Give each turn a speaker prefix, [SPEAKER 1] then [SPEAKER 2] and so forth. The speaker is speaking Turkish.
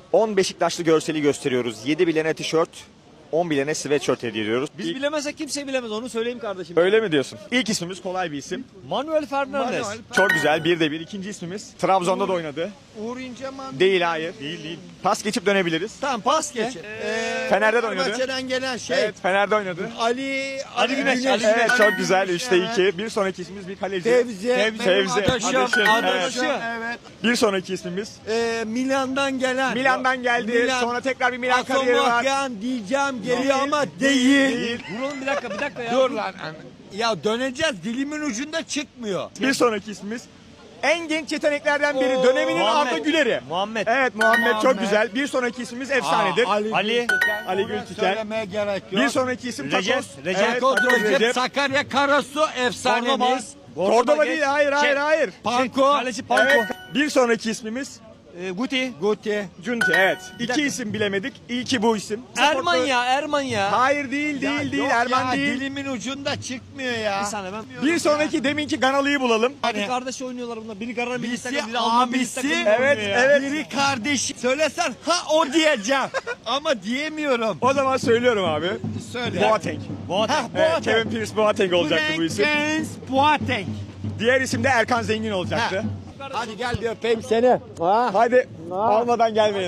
[SPEAKER 1] 10 Beşiktaşlı görseli gösteriyoruz. 7 bilene tişört, 10 bilene sweatshirt hediye ediyoruz.
[SPEAKER 2] Biz bilemezsek kimse bilemez, onu söyleyeyim kardeşim.
[SPEAKER 1] Öyle mi diyorsun? İlk ismimiz kolay bir isim.
[SPEAKER 2] Manuel Fernandes.
[SPEAKER 1] Çok güzel. 1'de 1. İkinci ismimiz. Trabzon'da da oynadı.
[SPEAKER 3] Uğur İnceman.
[SPEAKER 1] Değil, hayır. Değil. Pas geçip dönebiliriz.
[SPEAKER 3] Tamam pas geç.
[SPEAKER 1] Fener'de de oynadı.
[SPEAKER 3] Fenerbahçe'den gelen şey.
[SPEAKER 1] Evet, Fener'de oynadı.
[SPEAKER 3] Ali
[SPEAKER 2] Güneş, Ali
[SPEAKER 1] Evet, çok güzel.
[SPEAKER 3] Güneş,
[SPEAKER 1] 3'te
[SPEAKER 3] evet.
[SPEAKER 1] 2. Bir sonraki ismimiz bir kaleci.
[SPEAKER 3] Fevzi.
[SPEAKER 1] Fevzi.
[SPEAKER 2] Adaşım.
[SPEAKER 3] Evet.
[SPEAKER 1] Bir sonraki ismimiz.
[SPEAKER 3] Milan'dan gelen.
[SPEAKER 1] Milan'dan geldi.
[SPEAKER 3] Milan.
[SPEAKER 1] Sonra tekrar bir Milan kariyeri var.
[SPEAKER 3] Asamoahyan diyeceğim geliyor ama değil.
[SPEAKER 1] Değil.
[SPEAKER 2] Durun bir dakika ya.
[SPEAKER 3] Dur lan. Ya döneceğiz. Dilimin ucunda çıkmıyor.
[SPEAKER 1] Bir sonraki ismimiz. En genç yeteneklerden biri.
[SPEAKER 3] Oo.
[SPEAKER 1] Döneminin
[SPEAKER 2] Muhammed.
[SPEAKER 1] Arda Güler'i.
[SPEAKER 2] Muhammed.
[SPEAKER 1] Evet, Muhammed çok
[SPEAKER 3] Muhammed.
[SPEAKER 1] güzel. Bir sonraki ismimiz efsanedir.
[SPEAKER 3] Ali
[SPEAKER 1] Ali
[SPEAKER 3] Gültiken.
[SPEAKER 1] Gültiken.
[SPEAKER 3] Söylemeye gerek yok.
[SPEAKER 1] Bir sonraki isim
[SPEAKER 2] Recep.
[SPEAKER 1] Takos.
[SPEAKER 2] Recep.
[SPEAKER 1] Evet,
[SPEAKER 3] Takos
[SPEAKER 1] Takos
[SPEAKER 3] Recep, Sakarya Karasu efsanemiz.
[SPEAKER 1] Cordoba değil, hayır.
[SPEAKER 3] Panko.
[SPEAKER 2] Kaleci Panko.
[SPEAKER 1] Evet. Bir sonraki ismimiz
[SPEAKER 2] Guti.
[SPEAKER 3] Guti.
[SPEAKER 1] Cunti, evet. İki isim bilemedik. İlki bu isim.
[SPEAKER 2] Erman ya.
[SPEAKER 1] Hayır, değil,
[SPEAKER 3] Yok
[SPEAKER 1] Erman
[SPEAKER 3] ya,
[SPEAKER 1] değil.
[SPEAKER 3] Dilimin ucunda çıkmıyor ya.
[SPEAKER 2] Bir saniye ben.
[SPEAKER 1] Bir sonraki deminki Ganalı'yı bulalım.
[SPEAKER 2] Bir kardeş oynuyorlar bunlar. Biri Garan milli
[SPEAKER 3] Birisi
[SPEAKER 2] takım, biri Alman milli
[SPEAKER 3] abisi,
[SPEAKER 2] takım.
[SPEAKER 1] Evet,
[SPEAKER 2] oynuyor ya.
[SPEAKER 1] evet.
[SPEAKER 3] Biri kardeşi. Söylesen ha o diyeceğim. Ama diyemiyorum.
[SPEAKER 1] O zaman söylüyorum abi.
[SPEAKER 3] Söyle.
[SPEAKER 1] Boateng.
[SPEAKER 2] Boateng.
[SPEAKER 1] Evet, Kevin Prince Boateng olacaktı bu isim.
[SPEAKER 3] Frank Boateng.
[SPEAKER 1] Diğer isim de Erkan Zengin olacaktı.
[SPEAKER 3] Hadi gel bir öpeyim seni.
[SPEAKER 1] Hadi almadan gelmeyin.